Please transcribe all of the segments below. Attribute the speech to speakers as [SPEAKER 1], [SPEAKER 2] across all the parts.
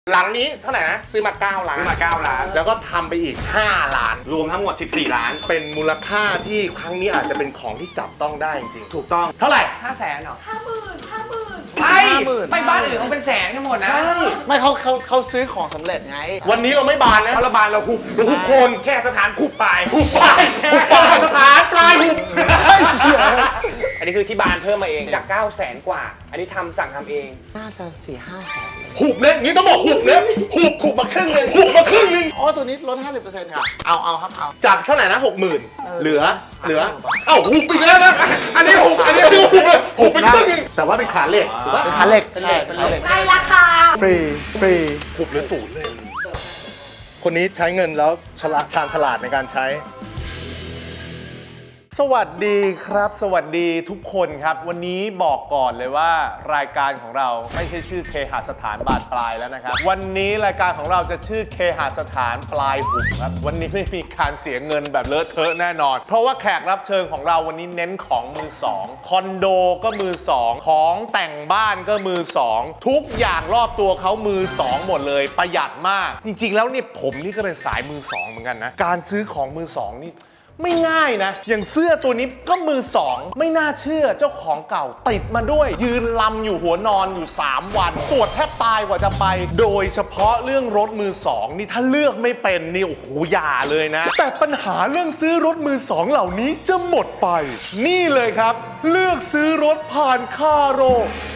[SPEAKER 1] หลังนี้เท่าไหร่นะซื้อมา9 ล้านแล้วก็ทำไปอีก5 ล้าน
[SPEAKER 2] รวมทั้งหมด14 ล้าน
[SPEAKER 1] เป็นมูลค่าที่ครั้งนี้อาจจะเป็นของที่จับต้องได้จริงๆ
[SPEAKER 2] ถูกต้อง
[SPEAKER 1] เท่าไหร่
[SPEAKER 2] 500,000เหรอ
[SPEAKER 3] 50,000
[SPEAKER 2] ใช่ไม่บ้านอื่นเขาเป็นแสนกันหมดนะ
[SPEAKER 3] ไม่เขาซื้อของสำเร็จไง
[SPEAKER 1] วันนี้เราไม่บานนะ
[SPEAKER 2] เพราะเราบานเราหุบโคน แค่สถานหุบปลาย
[SPEAKER 1] หุบปลายสถานปลายหุบ
[SPEAKER 2] อันนี้คือที่บานเพิ่มมาเองจาก900,000 กว่า อันนี้สั่งทำเอง
[SPEAKER 3] น่าจะ4-5 แสนเลย
[SPEAKER 1] หุบเนี่ยอย่างนี้ต้องบอกหุบเนี่ยหุบมาครึ่งนึง
[SPEAKER 3] อ๋อตัวนี้ลด 50%ค่ะเอาครับเอา
[SPEAKER 1] จากเท่าไหร่นะ60,000เหลือเอ้าหุบไปแล้วนะอันนี้หุบเลยหุบไปครึ่งนึงแต่ว่าเป็นขาเหล็กถูกป่ะ
[SPEAKER 3] เป็นขาเหล็กเป็นเหล็ก
[SPEAKER 4] ในราคา
[SPEAKER 3] ฟรี
[SPEAKER 1] หุบหรือศูนย์เลย คนนี้ใช้เงินแล้วชาญฉลาดในการใช้สวัสดีครับสวัสดีทุกคนครับวันนี้บอกก่อนเลยว่ารายการของเราไม่ใช่ชื่อเคหสถานบานปลายแล้วนะครับวันนี้รายการของเราจะชื่อเคหสถานปลายหุบครับวันนี้ไม่มีการเสียเงินแบบเลอะเทอะแน่นอนเพราะว่าแขกรับเชิญของเราวันนี้เน้นของมือสองคอนโดก็มือสองของแต่งบ้านก็มือสองทุกอย่างรอบตัวเขามือสองหมดเลยประหยัดมากจริงๆแล้วเนี่ยผมนี่ก็เป็นสายมือสองเหมือนกันนะการซื้อของมือสองนี่ไม่ง่ายนะอย่างเสื้อตัวนี้ก็มือสองไม่น่าเชื่อเจ้าของเก่าติดมาด้วยยืนลำอยู่หัวนอนอยู่3 วันปวดแทบตายกว่าจะไปโดยเฉพาะเรื่องรถมือสองนี่ถ้าเลือกไม่เป็นนี่โอ้โหอย่าเลยนะแต่ปัญหาเรื่องซื้อรถมือสองเหล่านี้จะหมดไปนี่เลยครับเลือกซื้อรถผ่านคาโร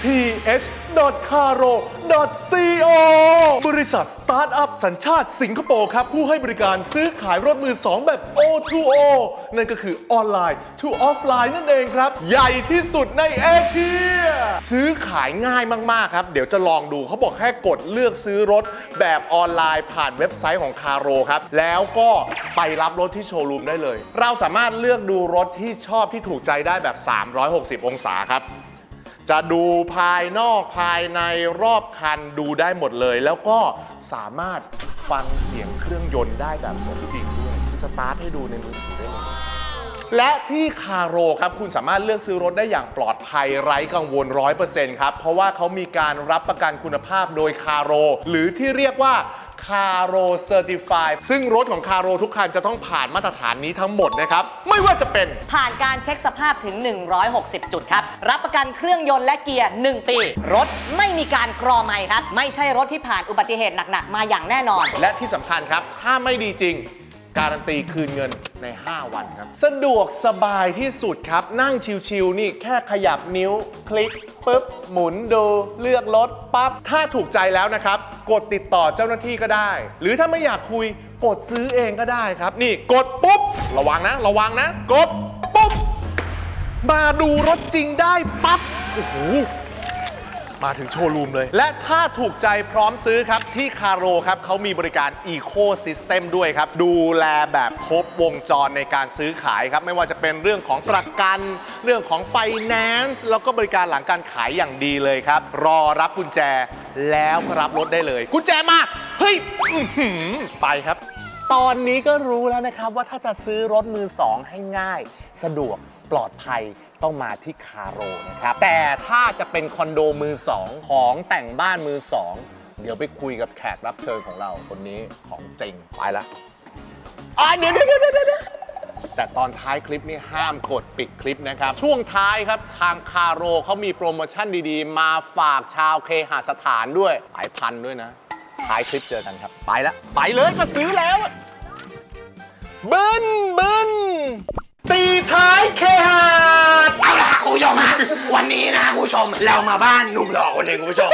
[SPEAKER 1] th.caro.co บริษัทสตาร์ทอัพสัญชาติสิงคโปร์ครับผู้ให้บริการซื้อขายรถมือสองแบบ O2O นั่นก็คือออนไลน์ to ออฟไลน์นั่นเองครับใหญ่ที่สุดในเอเชียซื้อขายง่ายมากๆครับเดี๋ยวจะลองดูเขาบอกแค่กดเลือกซื้อรถแบบออนไลน์ผ่านเว็บไซต์ของคาโรครับแล้วก็ไปรับรถที่โชว์รูมได้เลยเราสามารถเลือกดูรถที่ชอบที่ถูกใจได้แบบ360 องศาครับจะดูภายนอกภายในรอบคันดูได้หมดเลยแล้วก็สามารถฟังเสียงเครื่องยนต์ได้แบบสมจริงด้วยสตาร์ทให้ดูในมือถือได้เลยและที่คาโรครับคุณสามารถเลือกซื้อรถได้อย่างปลอดภัยไร้กังวล 100% ครับเพราะว่าเขามีการรับประกันคุณภาพโดยคาโรหรือที่เรียกว่าคาโรเซอร์ติฟายซึ่งรถของคาโรทุกคันจะต้องผ่านมาตรฐานนี้ทั้งหมดนะครับไม่ว่าจะเป็น
[SPEAKER 4] ผ่านการเช็คสภาพถึง160 จุดครับรับประกันเครื่องยนต์และเกียร์1 ปีรถไม่มีการกรอไมค์ครับไม่ใช่รถที่ผ่านอุบัติเหตุหนักๆมาอย่างแน่นอน
[SPEAKER 1] และที่สำคัญครับถ้าไม่ดีจริงการันตีคืนเงินใน5 วันครับสะดวกสบายที่สุดครับนั่งชิลๆนี่แค่ขยับนิ้วคลิกปุ๊บหมุนดูเลือกรถปั๊บถ้าถูกใจแล้วนะครับกดติดต่อเจ้าหน้าที่ก็ได้หรือถ้าไม่อยากคุยกดซื้อเองก็ได้ครับนี่กดปุ๊บระวังนะกดปุ๊บมาดูรถจริงได้ปั๊บโอ้โหมาถึงโชว์รูมเลยและถ้าถูกใจพร้อมซื้อครับที่คาโรครับเขามีบริการ Eco System ด้วยครับดูแลแบบครบวงจรในการซื้อขายครับไม่ว่าจะเป็นเรื่องของประกันเรื่องของ Finance แล้วก็บริการหลังการขายอย่างดีเลยครับรอรับกุญแจแล้วรับรถได้เลยกุญแจมาเฮ้ยไปครับตอนนี้ก็รู้แล้วนะครับว่าถ้าจะซื้อรถมือสองให้ง่ายสะดวกปลอดภัยต้องมาที่คาโรนะครับแต่ถ้าจะเป็นคอนโดมือสองของแต่งบ้านมือสองเดี๋ยวไปคุยกับแขกรับเชิญของเราคนนี้ของจริงไปละเดี๋ยวแต่ตอนท้ายคลิปนี้ห้ามกดปิดคลิปนะครับช่วงท้ายครับทางคาโรเขามีโปรโมชั่นดีๆมาฝากชาวเคหสถานด้วยหลายพันด้วยนะท้ายคลิปเจอกันครับไปละไปเลยก็ซื้อแล้วบึ้นตีท้ายเคหะ
[SPEAKER 2] เอาล่ะคุณผู้ชมฮะวันนี้นะคุณผู้ชมเรามาบ้านหนุ่มหล่อคนหนึ่งคุณผู้ชม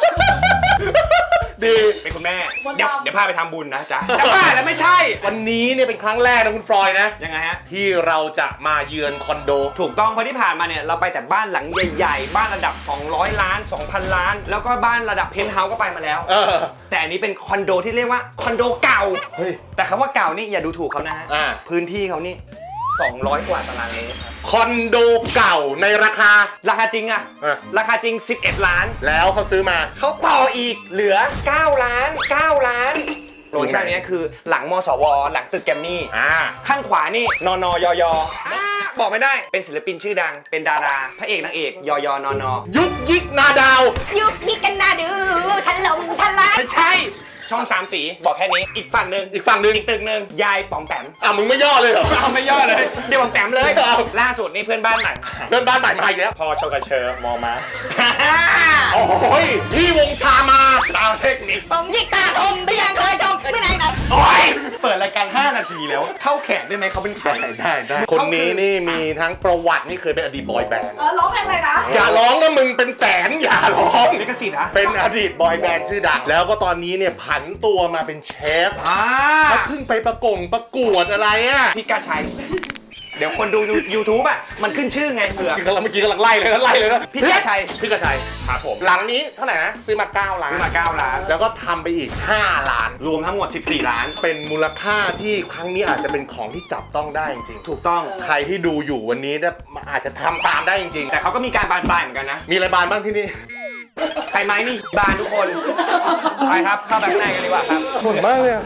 [SPEAKER 1] ดี
[SPEAKER 2] เป็นคุณแม่เดี๋ยวพาไปทำบุญนะจ๊ะแต่บ้าแล้วไม่ใช่
[SPEAKER 1] วันนี้เนี่ยเป็นครั้งแรกนะคุณฟลอยนะ
[SPEAKER 2] ยังไงฮะ
[SPEAKER 1] ที่เราจะมาเยือนคอนโด
[SPEAKER 2] ถูกต้องเพราะที่ผ่านมาเนี่ยเราไปแต่บ้านหลังใหญ่ๆบ้านระดับ200 ล้าน 2,000 ล้านแล้วก็บ้านระดับเพนท์เฮาส์ก็ไปมาแล้วแต่อันนี้เป็นคอนโดที่เรียกว่าคอนโดเก่าแต่คำว่าเก่านี่อย่าดูถูกเขานะฮะพื้นที่เขานี่200 กว่าตารางเมตรครับ
[SPEAKER 1] คอนโดเก่าในราคา
[SPEAKER 2] จริงอะราคาจริง11 ล้าน
[SPEAKER 1] แล้วเขาซื้อมา
[SPEAKER 2] เขาต่ออีกเหลือ9 ล้านโปรโมชั่นนี้คือหลังมสวหลังตึกแกรมมี่ข้างขวานี่นนยยบอกไม่ได้เป็นศิลปินชื่อดังเป็นดาราพระเอกนางเอกยยนน
[SPEAKER 1] ยุกยิกนาดาว
[SPEAKER 4] ยุกยิกกันนาดูทะลมทะลาย
[SPEAKER 2] ไม่ใช่ช่อง3 สีบอกแค่นี้อีกฝั่งหนึ่ง
[SPEAKER 1] อีกฝั่งหนึ่ง
[SPEAKER 2] อีกตึกหนึ่งยายป๋อมแปม
[SPEAKER 1] มึงไม่ย่อเลยเหรอ
[SPEAKER 2] เอาไม่ย่อเลยเดี๋ยวป๋อมแปมเลย
[SPEAKER 1] เอา
[SPEAKER 2] ล่าสุดนี่เพื่อนบ้านใหม่
[SPEAKER 1] เพื่อนบ้านใหม่มาอีกแล้ว
[SPEAKER 2] พอชกระเชอมองมา
[SPEAKER 1] โอ้ยพี่วงชามาตามเทคนิค
[SPEAKER 4] ผมยิกตาทมที่ยังเคยชมไม่ไหนครับ
[SPEAKER 2] โอ้ยเปิดรายการ5 นาทีแล้วเข้าแขกได้ไหมเขาเป็นใคร
[SPEAKER 1] ได้คนนี้นี่มีทั้งประวัตินี่เคยเป็นอดีตบอยแบนด์
[SPEAKER 4] ร้องเพลงอะไรนะ
[SPEAKER 1] อย่าร้องนะมึงเป็นแสนอย่าร้อง
[SPEAKER 2] ลิขสิทธิ์นะ
[SPEAKER 1] เป็นอดีตบอยแบนด์ชื่อดังแล้วก็ตอนนี้เนี่ยผันตัวมาเป็นเชฟเขาเพิ่งไปประกวดอะไรอ่ะ
[SPEAKER 2] พี่กาชัย เดี๋ยวคนดู YouTube อ่ะมันขึ้นชื่อไงเผื่อ
[SPEAKER 1] เมื่อกี้กำลังไล่เลยนะ
[SPEAKER 2] พี่กาชัย
[SPEAKER 1] พี่กระชัยครับผมหลังนี้เท่าไหร่นะซื้อมา9 ล้าน
[SPEAKER 2] ซื้อมา9 ล้าน
[SPEAKER 1] แล้วก็ทำไปอีก5 ล้าน
[SPEAKER 2] รวมทั้งหมด14 ล้าน
[SPEAKER 1] เป็นมูลค่าที่ครั้งนี้อาจจะเป็นของที่จับต้องได้จริงๆ
[SPEAKER 2] ถูกต้อง
[SPEAKER 1] ใครที่ดูอยู่วันนี้เนี่ยอาจจะทำตามได้จริง
[SPEAKER 2] แต่เขาก็มีการบานปลายเหมือนกันนะ
[SPEAKER 1] ๆ มีอะไรบานบ้างที่นี่
[SPEAKER 2] ใครไม้นี่บานทุกคน ไปครับ เข้าไปข้างในกันดีกว่าครับ
[SPEAKER 1] หมดมากเลย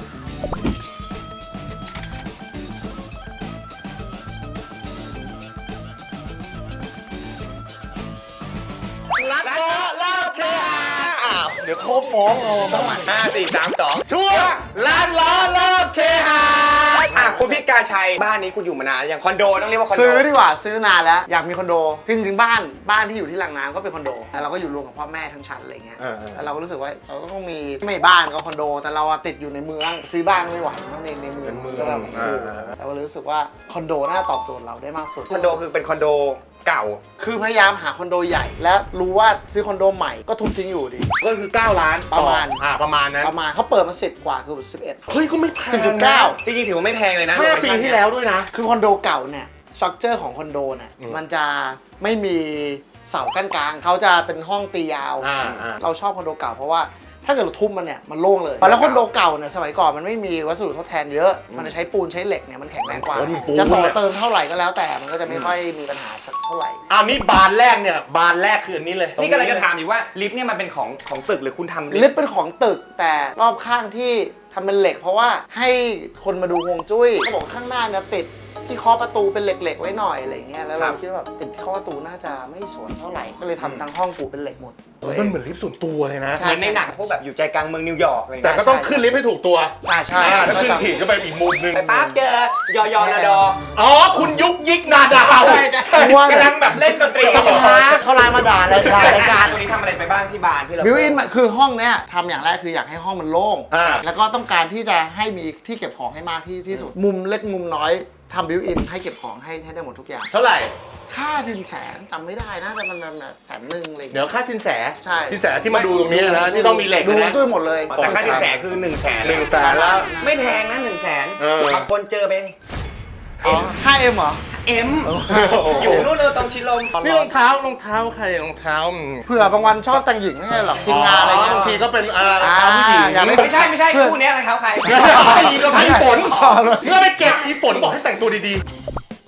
[SPEAKER 1] รักก็เลิกเคอ้าวเดี๋ยวเขาฟ้องเราบ้าง
[SPEAKER 2] 5 4 3 2
[SPEAKER 1] ช่วงร้านล้อเลิกเคหา
[SPEAKER 2] คุณพี่กาชัยบ้านนี้คุณอยู่มานานอย่างคอนโดต้องเรียกว่าคอนโด
[SPEAKER 3] ซื้อดีกว่าซื้อนานแล้วอยากมีคอนโดจริงๆบ้านที่อยู่ที่ลังน้ำก็เป็นคอนโดแต่เราก็อยู่รวมกับพ่อแม่ทั้งชั้นอะไรเงี้ยแต่เราก็รู้สึกว่าเราก็ต้องมีไม่บ้านก็คอนโด แต่เราอะติดอยู่ในเมืองซื้อบ้านไม่ไหวเพราะในเมืองก็แบบโอ้โหแต่ว่ารู้สึกว่าคอนโดน่าตอบโจทย์เราได้มากสุด
[SPEAKER 2] คอนโดคือเป็นคอนโดเก่า
[SPEAKER 3] คือพยายามหาคอนโดใหญ่ และรู้ว่าซื้อคอนโดใหม่ก็ทุบทิ้งอยู่ดี
[SPEAKER 1] ก็คือ9 ล้าน
[SPEAKER 3] ประมาณ
[SPEAKER 1] ประมาณนั้น
[SPEAKER 3] ประมาณเขาเปิดมา10 กว่าคือ11
[SPEAKER 1] เฮ้ยก็ไม่แพง
[SPEAKER 3] 10.9
[SPEAKER 2] จริงๆถือว่าไม่แพงเลยนะ
[SPEAKER 1] 5 ปีที่แล้วด้วยนะ
[SPEAKER 3] คือคอนโดเก่าเนี่ยสตรัคเจอร์ของคอนโดเนี่ยมันจะไม่มีเสากั้นกลางเขาจะเป็นห้องตียาว เราชอบคอนโดเก่าเพราะว่าถ้าเกิดเราทุบมันเนี่ยมันโล่งเลยแล้วคอนโดเก่าเนี่ยสมัยก่อนมันไม่มีวัสดุทดแทนเยอะมันจะใช้ปูนใช้เหล็กเนี่ยมันแข็งแรงกว่าจะต่อเติมเท่าไหร่ก็แล้วแต่มันก็จะไม่ค่อยมีปัญหาสักเท่าไหร่
[SPEAKER 1] นี่บานแรกเนี่ยบานแรกคืออันนี้เลย
[SPEAKER 2] นี่ก็เลยจะถามอยู่ว่าลิฟต์เนี่ยมันเป็นของตึกหรือคุณทำ
[SPEAKER 3] ลิฟต์เป็นของตึกแต่รอบข้างที่ทำเป็นเหล็ก เพราะว่าให้คนมาดูฮวงจุ้ยเขาบอกข้างหน้าเนี่ยติดที่เคาะประตูเป็นเหล็กๆไว้หน่อยอะไรเงี้ยแล้วเราคิดว่าแบบติดที่เคาะประตูน่าจะไม่สวยเท่าไหร่ก็เลยทำทั้งห้องปูเป็นเหล็กหมด
[SPEAKER 1] มันเหมือนลิฟต์ส่วนตัวเลยนะ
[SPEAKER 3] ใช่
[SPEAKER 2] เหมือนในหนังพวกแบบอยู่ใจกลางเมืองนิวยอร์กอะไร
[SPEAKER 1] แต่
[SPEAKER 2] เงี้ย
[SPEAKER 1] ก็ต้องขึ้นลิฟต์ให้ถูกตัว
[SPEAKER 3] ใช่
[SPEAKER 1] ถ้าขึ้นผิดก็ไปอีกมุมหนึง
[SPEAKER 2] ไปปั๊บเจอยอยอนาดอ
[SPEAKER 1] อ๋อคุณยุกยิกนาดาว
[SPEAKER 2] กำลังแบบเล่นดนตรี
[SPEAKER 3] สักพักเขาไลน์มาด่าเลยรายการ
[SPEAKER 2] ตัวนี้ทำอะไรไปบ้างที่บ้านที่เรา
[SPEAKER 3] บิวอินคือห้องเนี้ยทำอย่างแรกคืออยากให้ห้องมันโล่ง
[SPEAKER 1] อ่า
[SPEAKER 3] แล้วก็ต้องการที่จะให้มีที่เก็บของให้มากที่สุด มุมเล็กมุมน้อยทำบิวอินให้เก็บของให้ได้หมดทุกอย่าง
[SPEAKER 1] เท่าไหร่
[SPEAKER 3] ค่าสินแสนจำไม่ได้นะแต่มันแบบ100,000อะไรอย่าง
[SPEAKER 1] เดี๋
[SPEAKER 3] เงี้
[SPEAKER 1] ยวย ค่าสินแส
[SPEAKER 3] ใช่
[SPEAKER 1] สินแสที่มาดูตรงนี้นะที่ต้องมีเหล็ก
[SPEAKER 3] ดู
[SPEAKER 1] นะ
[SPEAKER 3] ด้วยหมดเลย
[SPEAKER 2] แต่ค่าสินแสคือ100,000
[SPEAKER 1] 100,000แล้ว
[SPEAKER 2] ไม่แพงนะ100,000
[SPEAKER 1] เออ
[SPEAKER 2] บางคนเจอไป
[SPEAKER 3] อ๋อ 5M เหรอ
[SPEAKER 2] เอ็มอยู่นู่นเลยตรงชิลม
[SPEAKER 1] นี่รองเท้ใครรองเท้า
[SPEAKER 3] เผื่อบางวันชอบแต่งหญิงไม่ใช่หรอทีมงานอะไรเงี้ย
[SPEAKER 1] บางทีก็เป็นรองเท้าผู้หญิง
[SPEAKER 3] อย่า
[SPEAKER 2] ไม่ใช่คู่เนี้ยอะไรเขาใคร
[SPEAKER 1] อีกพี่ฝนเพื่อไปเก็บอีฝนบอกให้แต่งตัวดีๆ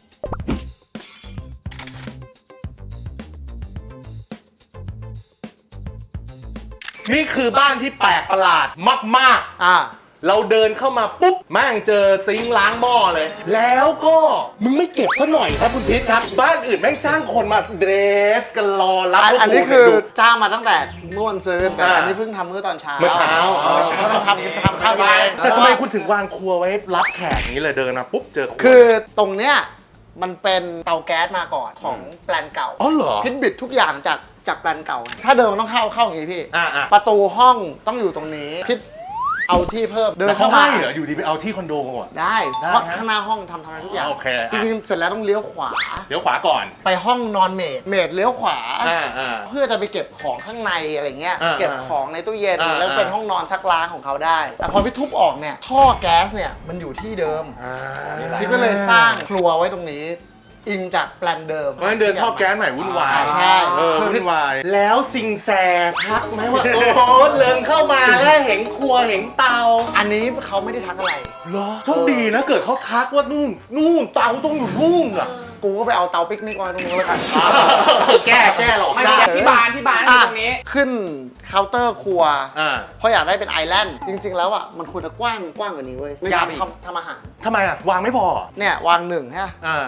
[SPEAKER 1] นี่คือบ้านที่แปลกประหลาดมากๆ เราเดินเข้ามาปุ๊บแม่งเจอซิงค์ล้างหม้อเลย แล้วก็มึงไม่เก็บซะหน่อยครับคุณพิษครับ บ้านอื่นแม่งจ้างคนมาเดรสกันรอรับ
[SPEAKER 3] อันนี้คือ
[SPEAKER 1] ดู
[SPEAKER 3] จ้างมาตั้งแต่เมื่อวันซื้อแต่อันนี้เพิ่งทำเมื่อตอนเช้า
[SPEAKER 1] เมื่อเช้า
[SPEAKER 3] ก็ต้องทำข้าวกินเอง
[SPEAKER 1] แต่ทำไมคุณถึงวางครัวไว้รับแขกอย่างนี้เลยเดินมาปุ๊บเจอรัว
[SPEAKER 3] คือตรงเนี้ยมันเป็นเตาแก๊สมาก่อนของแปลนเก่า
[SPEAKER 1] อ๋อเหรอ
[SPEAKER 3] พิทบิดทุกอย่างจากแปลนเก่า ถ้าเดินมันต้องเข้าอย่างนี้พี่
[SPEAKER 1] อ่า
[SPEAKER 3] ประตูห้องต้องอยู่ตรงนี้พิทเอาที่เพิ่มเดิน
[SPEAKER 1] แต่เขา
[SPEAKER 3] เข้ามา
[SPEAKER 1] ให้เหรออยู่ดีไปเอาที่คอนโดก่อน
[SPEAKER 3] ได้
[SPEAKER 1] ได้
[SPEAKER 3] เพราะ
[SPEAKER 1] นะ
[SPEAKER 3] ข้างหน้าห้องทำอะไรทุกอย่าง
[SPEAKER 1] โอเค
[SPEAKER 3] จริงๆเสร็จแล้วต้องเลี้ยวขวา
[SPEAKER 1] เดี๋ยวขวาก่อน
[SPEAKER 3] ไปห้องนอนเมดเลี้ยวขวา
[SPEAKER 1] อ่า
[SPEAKER 3] เพื่อจะไปเก็บของข้างในอะไรเงี้ย
[SPEAKER 1] อ่า
[SPEAKER 3] เก็บของในตู้เย็น
[SPEAKER 1] อ่า
[SPEAKER 3] แล้วเป็นห้องนอนซักล้างของเขาได้ แต่พอพี่ทุบออกเนี่ยท่อแก๊สเนี่ยมันอยู่ที่เดิม พี่ก็เลยสร้างครัวไว้ตรงนี้ อิงจากแปลนเดิม
[SPEAKER 1] เพราะฉะนั้นเดินท่อแก๊สใหม่วุ่นวาย
[SPEAKER 3] ใช่
[SPEAKER 1] วุ่นวาย แล้วสิงแสทักไหมว่า โอ้โหเลิงเข้ามาแล้วเห็นครัวเห็นเตา
[SPEAKER 3] อันนี้เขาไม่ได้ทักอะไร
[SPEAKER 1] เหรอโชคดีนะเกิดเขาทักว่านู่นเตาต้องอยู่นู่นอ่ะ
[SPEAKER 3] กูก็ไปเอาเตาปิกนิกมาตรงนู้นแล้วกัน
[SPEAKER 1] แก้หรอก
[SPEAKER 2] ไม่ใช่ที่บ้านอยู่ตรงนี้
[SPEAKER 3] ขึ้นเคาน์เตอร์ครัว
[SPEAKER 1] อ่า
[SPEAKER 3] เพราะอยากได้เป็นไอแลนด์จริง ๆ แล้วอ่ะมันควรจะกว้างกว่านี้เว้ยในการทำอาหาร
[SPEAKER 1] ทำไมอ่ะวางไม่พอ
[SPEAKER 3] เนี่ยวางหนึ่งใช่ไหม
[SPEAKER 1] อ่า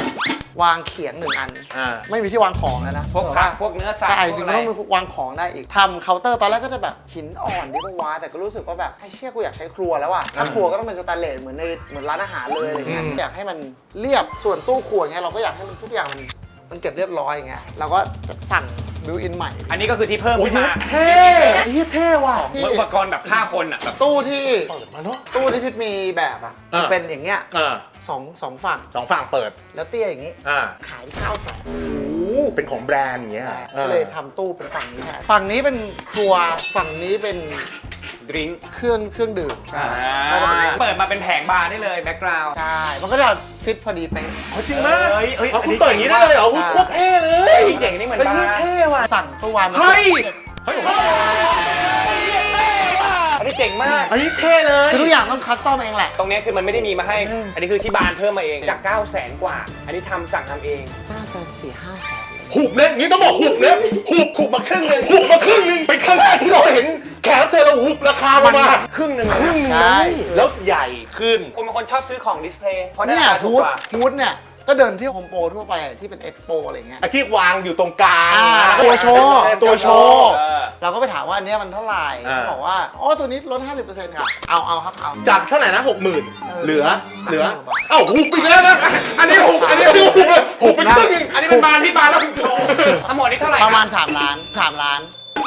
[SPEAKER 3] วางเขียง1 อัน
[SPEAKER 1] อ่า
[SPEAKER 3] ไม่มีที่วางของแล้วนะ
[SPEAKER 2] พวกผักพวกเนื้อสัตว์
[SPEAKER 3] ใช่
[SPEAKER 2] พว
[SPEAKER 3] จ
[SPEAKER 2] ก
[SPEAKER 3] ริง
[SPEAKER 2] อะ
[SPEAKER 3] ๆ
[SPEAKER 2] ไร
[SPEAKER 3] ต้องวางของได้อีกทำเคาน์เตอร์ตอนแรกก็จะแบบหินอ่อนดีกว่าแต่ก็รู้สึกว่าแบบไอ้เชี่ยกูอยากใช้ครัวแล้วอะถ้าครัวก็ต้องเป็นสแตนเลสเหมือนร้านอาหารเลยอะไรเงี้ยอยากให้มันเรียบส่วนตู้ครัวเงี้ยเราก็อยากให้มันทุกอย่างมันเก็บเรียบร้อยอย่างเงี้ยเราก็สั่งบิวอินใหม่
[SPEAKER 2] อันนี้ก็คือที่เพิ่มขึ้นมา
[SPEAKER 1] เท่เท่ว่ะ
[SPEAKER 2] เหมือนอุปกรณ์แบบฆ่าคนอ่ะแบบ
[SPEAKER 3] ตู้ที่
[SPEAKER 1] เปิดมาเนาะ
[SPEAKER 3] ตู้ที่พิษมีแบบอ่ะมันเป็นอย่างเงี้ย
[SPEAKER 1] อ่า
[SPEAKER 3] สองฝั่ง
[SPEAKER 1] 2 ฝั่งเปิด
[SPEAKER 3] แล้วเตี้ยอย่างงี้
[SPEAKER 1] อ่า
[SPEAKER 3] ขาย900,000
[SPEAKER 1] โอ้เป็นของแบรนด์อย่างเงี้ย
[SPEAKER 3] ก็เลยทำตู้เป็นฝั่งนี้แทนฝั่งนี้เป็นครัวฝั่งนี้เป็น
[SPEAKER 2] ดริงก์
[SPEAKER 3] เครื่องดื่มใช่
[SPEAKER 2] เปิดมาเป็นแผงบาร์ได้เลยแบ็กกราวด์
[SPEAKER 3] ใช่มันก็จะฟิตพอดีเป๊ะ
[SPEAKER 1] เอาจริงมาก
[SPEAKER 2] เฮ้ย
[SPEAKER 1] เอาคุณเปิดอย่างนี้ได้เลยเหรอคุณโคตรเท่เลย
[SPEAKER 2] เจ๋งนี่เหมือนบาร์
[SPEAKER 1] เท่ว่ะ
[SPEAKER 3] สั่งตู้วาง
[SPEAKER 1] เฮ้ยเฮ้ย
[SPEAKER 2] อันนี้เจ๋งมาก
[SPEAKER 1] อันนี้เท่เลย
[SPEAKER 3] คือทุกอย่างต้องคัสตอมเองแหละ
[SPEAKER 2] ตรงเนี้ยคือมันไม่ได้มีมาให้ อันนี้คือที่บานเพิ่มมาเองจาก 900,000 กว่า อันนี้สั่งทำเอง
[SPEAKER 3] น่าจะ4-5 แสนเลย
[SPEAKER 1] หุบเนี่ยนี่ต้องบอกหุบเนี่ยหุบมาครึ่งนึงหุบมาครึ่งนึงเป็นครั้งแรกที่เราเห็นแขกรับเชิญเราหุบราคาลงมา
[SPEAKER 2] ครึ่งหนึ่ง
[SPEAKER 1] ครึ่งนึง
[SPEAKER 3] ใช่
[SPEAKER 1] แล้วใหญ่ขึ้น
[SPEAKER 2] คนบางคนชอบซื้อของดิสเพลย์เพราะได้
[SPEAKER 3] เนี่ย
[SPEAKER 2] ราคาถู
[SPEAKER 3] ฮู
[SPEAKER 2] ก
[SPEAKER 3] ด
[SPEAKER 2] กว่า
[SPEAKER 3] ฮูดเนี่ยก็เดินที่โฮมโปรทั่วไปที่เป็นเอ็กซ์โปอะไรเงี้ย
[SPEAKER 1] ไอ้ที่วางอยู่ตรงกลาง
[SPEAKER 3] ตัวโชว์ตัวโชว์
[SPEAKER 2] เออ
[SPEAKER 3] เราก็ไปถามว่าอันเนี้ยมันเท่าไหร่เขาบอกว่าอ๋อตัวนี้ลด 50%ค่ะเอาครับเอา
[SPEAKER 1] จากเท่าไหร่นะ 60,000เหลือเอ้าหุบอีกแล้วนะอันนี้หุบหุบไปครึ่งนึง
[SPEAKER 2] อันนี้เป็นบานที่บานแล้วคุณโชว์ทั้งหมดนี้เท่าไหร่
[SPEAKER 3] ประมาณ3 ล้าน3 ล้าน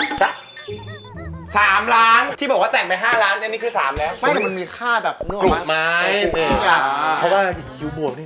[SPEAKER 2] 3 ล้าน ที่บอกว่าแต่งไป 5 ล้านอันนี้คือ 3 แล้ว
[SPEAKER 3] ไม่แต่มันมีค่าแบบนวด
[SPEAKER 1] กลุ่มไม้
[SPEAKER 3] เนี่ย
[SPEAKER 1] เพราะว่าคิวบวกนี่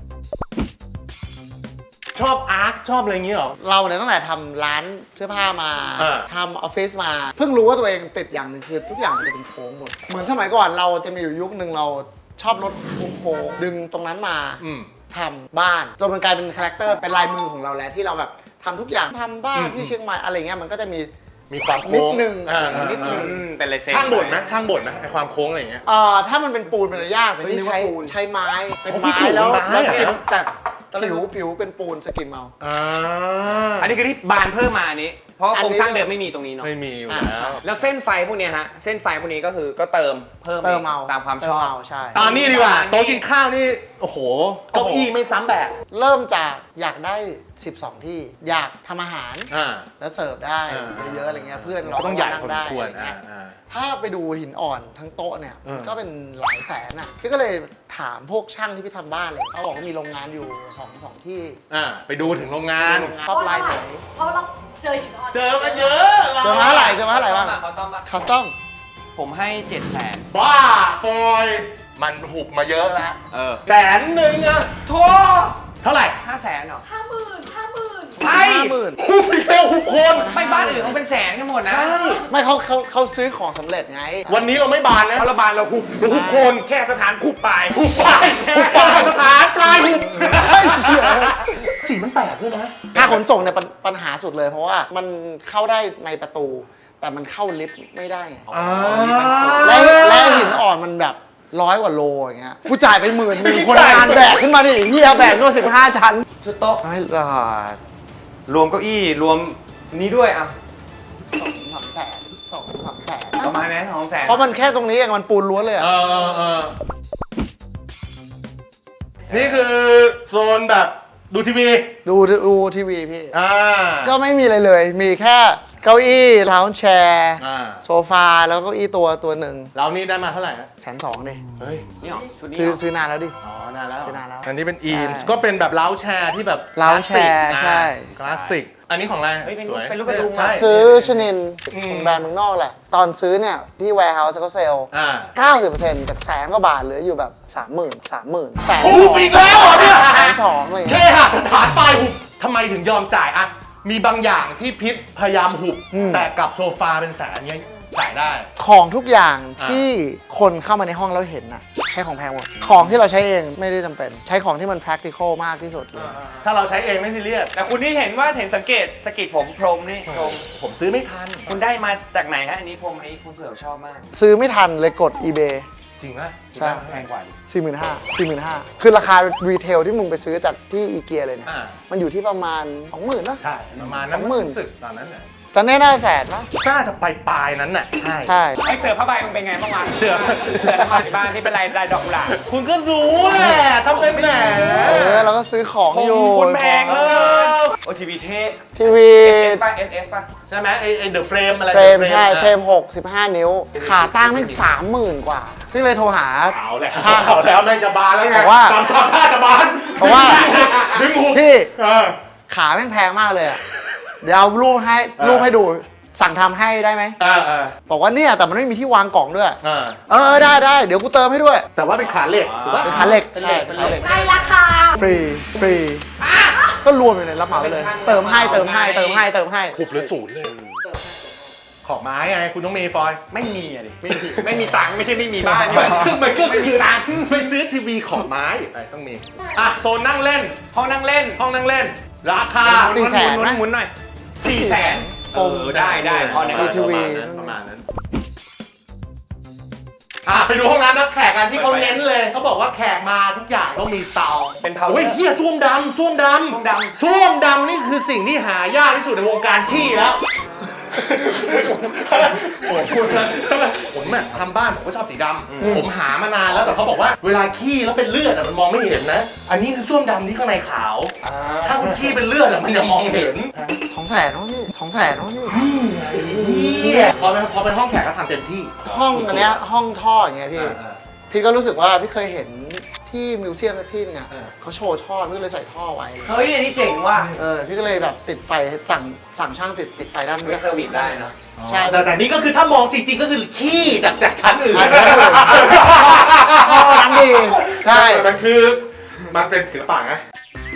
[SPEAKER 1] ชอบอาร์ตชอบอะไรอย่างเงี้ยหรอ
[SPEAKER 3] เราเนี่ยตั้งแต่ทำร้านเสื้อผ้ามา
[SPEAKER 1] อ่า
[SPEAKER 3] ทำออฟฟิศมา เพิ่งรู้ว่าตัวเองติดอย่างหนึ่งคือทุกอย่างมันจะเป็นโค้งหมด เหมือนสมัยก่อนเราจะมีอยู่ยุคหนึ่งเราชอบรถโค้งๆดึงตรงนั้นมาทำบ้านจนมันกลายเป็นคาแรคเตอร์เป็นลายมือของเราแล้วที่เราแบบทำทุกอย่างทำบ้านที่เชียงใหม่อะไรเงี้ยมันก็จะมี
[SPEAKER 1] ความโค้ง
[SPEAKER 3] นิดนึง
[SPEAKER 1] นิดนึง
[SPEAKER 2] เป็นลายเซ็น
[SPEAKER 1] ช่างบ่นไหมไอความโค้งอะไรอย่างเงี้ย
[SPEAKER 3] ถ้ามันเป็นปูนมันจะยากแต่นี่
[SPEAKER 2] นึกว่าปูน
[SPEAKER 3] ใช้ไม้เป็น
[SPEAKER 1] อ๋อ
[SPEAKER 3] ไม้
[SPEAKER 1] พี่
[SPEAKER 3] แล้ว
[SPEAKER 1] ปูนไม้
[SPEAKER 3] แล้วสกิม
[SPEAKER 1] เหรอ
[SPEAKER 3] แต่ผิวเป็นปูนสกิมเอา
[SPEAKER 2] อันนี้คือที่บานเพิ่มมาอันนี้ เพราะว่าโครงสร้างเดิมไม่มีตรงนี้เนาะ
[SPEAKER 1] ไม่มีอยู่
[SPEAKER 3] อ่า
[SPEAKER 1] แล้ว
[SPEAKER 2] แล้วเส้นไฟพวกเนี้ยฮะ เส้นไฟพวกนี้ก็คือก็เติมเพิ่ม
[SPEAKER 3] เติมเอา
[SPEAKER 2] ตามความช
[SPEAKER 3] เติ
[SPEAKER 2] อบ
[SPEAKER 3] เอาใช่
[SPEAKER 1] ตอนนี้ดีกว่าโต๊ะกินข้าวนี่โอ้โหเก้าอี้ไม่ซ้ำแบบ
[SPEAKER 3] เริ่มจากอยากได้ 12 ที่อยากทำอาหาร
[SPEAKER 1] อ่า
[SPEAKER 3] แล้วเสิร์ฟได้ เยอะๆอะไรเงี้ยเพื่อนเรา
[SPEAKER 1] ก็ต้องใหญ่
[SPEAKER 3] นั่
[SPEAKER 1] พอส
[SPEAKER 3] ได้
[SPEAKER 1] มควร
[SPEAKER 3] อะไรเงี้ย
[SPEAKER 1] อ่า
[SPEAKER 3] ถ้าไปดูหินอ่อนทั้งโต๊ะเนี่ย
[SPEAKER 1] อืม
[SPEAKER 3] ก็เป็นหลายแสนอ่ะพี่ก็เลยถามพวกช่างที่พี่ทำบ้านเลยเขาบอกว่ามีโรงงานอยู่สองที่
[SPEAKER 1] ไปดูถึงโรงงาน
[SPEAKER 3] โรงงานท็อปไลน์ไหน
[SPEAKER 5] เพราะเราเจอหินอ่อน
[SPEAKER 1] เจอมาเยอะ
[SPEAKER 3] เจอมาเท่าไหร่บ้าง
[SPEAKER 2] เขาต้อม
[SPEAKER 3] คัสตอม
[SPEAKER 2] ผมให้ 700,000
[SPEAKER 1] บ้าฟอยมันหุบมาเยอะแล้ว
[SPEAKER 2] 100,000
[SPEAKER 1] 100,000อะ
[SPEAKER 2] โท
[SPEAKER 1] เท่าไหร่
[SPEAKER 2] 500,000เหรอ
[SPEAKER 5] 50,000
[SPEAKER 2] ใช่
[SPEAKER 3] 50,000
[SPEAKER 1] หุบอีกแล้วหุบคน
[SPEAKER 2] ไปบ้านอื่นเขาเป็นแสนกันหมดนะ
[SPEAKER 3] ไม่เขาซื้อของสำเร็จไง
[SPEAKER 1] วันนี้เราไม่บานนะ
[SPEAKER 2] เพราะเราบานเราหุบ
[SPEAKER 1] หุบคน
[SPEAKER 2] แค่สถานหุบปลาย
[SPEAKER 1] หุบปลายสถานปลายหุบสีมันแปลกด้วยนะ
[SPEAKER 3] ค่าขนส่งเนี่ยปัญหาสุดเลยเพราะว่ามันเข้าได้ในประตู แต่มันเข้าลิฟต์ไม่ได้ไงและหินอ่อนมันแบบ100 กว่าโลอย่างเงี้ยกูจ่ายไป10,000คนงานแบกขึ้นมาดิเฮียแบกก็15 ชั้น
[SPEAKER 2] ชุดโต๊ะ
[SPEAKER 3] ไม่รอด
[SPEAKER 2] รวมเก้าอี้รวมนี้ด้วยอ่ะ
[SPEAKER 3] 2-3 แสน2-3 แสน
[SPEAKER 2] ประมาณนั้น200,000
[SPEAKER 3] เพราะมันแค่ตรงนี้เองมันปูนล้วนเลยอะ
[SPEAKER 1] นี่คือโซนแบบดูทีวี
[SPEAKER 3] ดูทีวีพี่
[SPEAKER 1] อ่า
[SPEAKER 3] ก็ไม่มีอะไรเลย มีแค่เก้าอี้ลาวแชร์ โซฟาแล้วก็เก้าอี้ตัวหนึ่ง
[SPEAKER 1] เรานี่ได้มาเท่าไหร่ฮะ
[SPEAKER 3] 120,000ดิ
[SPEAKER 1] เฮ้ย
[SPEAKER 2] นี่หรอชุดนี้
[SPEAKER 3] ซื้อนานแล้วดิ
[SPEAKER 1] อ๋อนานแล้ว
[SPEAKER 3] ซื้อนานแล้ว
[SPEAKER 1] อันนี้เป็นอีน
[SPEAKER 3] ใช่
[SPEAKER 1] ก็เป็นแบบเล้าแชร์ที่แบบ
[SPEAKER 3] เล้าแชร์ใช่
[SPEAKER 1] คลาสสิก อันนี้ของอะไร
[SPEAKER 2] เฮ้ยเป็น
[SPEAKER 1] สวย
[SPEAKER 2] เป็นลูกกระดุม
[SPEAKER 1] ใช่
[SPEAKER 3] ซื้อชนินของแบรนด์เมืองนอกแหละ ตอนซื้อเนี่ย ที่ warehouse เขาเซลล์ 90%จาก100,000 กว่าบาทเหลืออยู่แบบ 30,000 แสน
[SPEAKER 1] หุบอีกแล้วเหรอเนี่ย
[SPEAKER 3] 120,000อะไร
[SPEAKER 1] แค่
[SPEAKER 3] เงี้ย
[SPEAKER 1] หักสถานปลายหุบทำไมถึงยอมจ่ายอะมีบางอย่างที่พิษพยายามหุบ แต่กับโซฟาเป็นแสนเงี้ยจ่ายได้
[SPEAKER 3] ของทุกอย่างที่คนเข้ามาในห้องแล้วเห็นน่ะใช้ของแพงหมด ของที่เราใช้เองไม่ได้จำเป็น ใช้ของที่มัน practical มากที่สุดเลย
[SPEAKER 1] ถ้าเราใช้เองไม่ซีเรียส
[SPEAKER 2] แต่คุณนี่เห็นว่าเห็นสังเกตสกิดผมพรมนี่พรม
[SPEAKER 1] ผมซื้อไม่ทัน
[SPEAKER 2] คุณได้มาจากไหนฮะอันนี้พรมอันนี้คุณเผื่อชอบมาก
[SPEAKER 3] ซื้อไม่ทันเลยกด eBay
[SPEAKER 1] จริงไหม
[SPEAKER 3] ใช่
[SPEAKER 2] แพงกว่าดิ
[SPEAKER 3] 45,000 คือราคารีเทลที่มึงไปซื้อจากที่อีเกียเลยเนี่ย
[SPEAKER 1] อ่า
[SPEAKER 3] มันอยู่ที่ประมาณ 20,000นะ
[SPEAKER 1] ใช่ประมาณนั้น
[SPEAKER 3] 20,000
[SPEAKER 1] รู้สึกตอนนั้นน่ะ
[SPEAKER 3] ตอนนี้น่าแสนปะ
[SPEAKER 1] น่าจะไปปลายนั้นน่ะใช่
[SPEAKER 3] ใช่
[SPEAKER 2] ไอเสือผ้าใบมันเป็นไงบ้างวะ
[SPEAKER 1] เสือ
[SPEAKER 2] ผ้าใบบ้านที่เป็นลายดอกกุหลาบ
[SPEAKER 1] คุณก็รู้แหละทำเป็นแหม
[SPEAKER 3] เราก็ซื้อของอยู่
[SPEAKER 2] คนแพงเลยโอทีวีเท่
[SPEAKER 3] ทีวี
[SPEAKER 2] SS ป่ะ SS ป่ะ
[SPEAKER 1] ใช่ไหมไอ้เดอะเฟรมอะไร
[SPEAKER 3] เฟรม
[SPEAKER 1] The
[SPEAKER 3] ใช่
[SPEAKER 1] อะ
[SPEAKER 3] เฟรม6 15 นิ้ว ขาตั้งแม่ง30,000 กว่าพี่เลยโทรหา
[SPEAKER 1] เอาแล้ว
[SPEAKER 3] ช่าง
[SPEAKER 1] เอาแล้วนายจะบานแล้วไง
[SPEAKER 3] บอกว่า
[SPEAKER 1] ทำท่าจะบาน
[SPEAKER 3] เพราะว่า
[SPEAKER 1] ดึงหู
[SPEAKER 3] พี่
[SPEAKER 1] เออ
[SPEAKER 3] ขาแม่งแพงมากเลยอะเดี๋ยวเอารูปให้ดูสั่งทำให้ได้ไหม
[SPEAKER 1] เออเออ
[SPEAKER 3] บอกว่าเนี่ยแต่มันไม่มีที่วางกล่องด้วย
[SPEAKER 1] เออ
[SPEAKER 3] ได้เดี๋ยวกูเติมให้ด้วย
[SPEAKER 1] แต่ว่าเป็นขาเหล็กถูกปะ
[SPEAKER 3] เป็นขาเหล็ก
[SPEAKER 1] เป็นเหล็ก
[SPEAKER 3] ใช่
[SPEAKER 1] เป็นเหล็ก
[SPEAKER 5] ในราคา
[SPEAKER 3] ฟรีก็รวมอยู่ในรับเหมาไปเลย เติมให้
[SPEAKER 1] หุบหรือศูนย์เลยขอบไม้ไงคุณต้องมีฟอย
[SPEAKER 2] ไม่มีอะดิไม่มีตังค์ไม่ใช่ไม่มีบ้านนี่หว่า
[SPEAKER 1] มันก็
[SPEAKER 2] ไม่มี
[SPEAKER 1] คือ
[SPEAKER 2] ตังค์
[SPEAKER 1] ไปซื้อทีวีขอบไม้ไปต้องมีอ่ะโซนนั่งเล่น
[SPEAKER 2] ห้องนั่งเล่น
[SPEAKER 1] ห้องนั่งเล่น ราคา
[SPEAKER 2] หมุนหน่อย400,000ได้พอเนี่ย
[SPEAKER 3] มีทีวี
[SPEAKER 1] ประมาณนั้นไปดูห้องน้ำนักแขกกันที่เขาเน้นเลยเขาบอกว่าแขกมาทุกอย่างต้องมีเตา
[SPEAKER 2] เป็นเผา
[SPEAKER 1] โอ้ยเฮียส้วมดำส้วมดำ
[SPEAKER 2] ส้วมดำ
[SPEAKER 1] ส้วมดำนี่คือสิ่งที่หายากที่สุดในวงการขี้แล้วผมอะทำบ้านผมก็ชอบสีดำผมหามานานแล้วแต่เขาบอกว่าเวลาขี้แล้วเป็นเลือดอะมันมองไม่เห็นนะ อันนี้คือส้วมดำที่ข้างในขาว ถ้าคุณขี้เป็นเลือดอะมันจะมองเห็น
[SPEAKER 3] 200,000น้องพี่200,000น้องพี่
[SPEAKER 1] พอเป็นห้องแขกก็ทำเต็มที่
[SPEAKER 3] ห้องอันเนี้ยห้องท่ออย่างเงี้ยพี่ก็รู้สึกว่าพี่เคยเห็นที่มิวเซียมสักที่นึงอะเขาโชว์ท่อพี่ก็เลยใส่ท่อไว้
[SPEAKER 2] เฮ้ยอันนี้เจ๋งว่ะ
[SPEAKER 3] พี่ก็เลยแบบติดไฟสั่งช่างติดไฟด้าน
[SPEAKER 2] ไปเซอร์วิสได้นะ
[SPEAKER 3] ใช่
[SPEAKER 1] แต่นี่ก็คือถ้ามองจริงๆก็คือขี้จากชั้นอื่น
[SPEAKER 3] ท่อน้ำดีใช่
[SPEAKER 1] มันเป็นศิลปะไง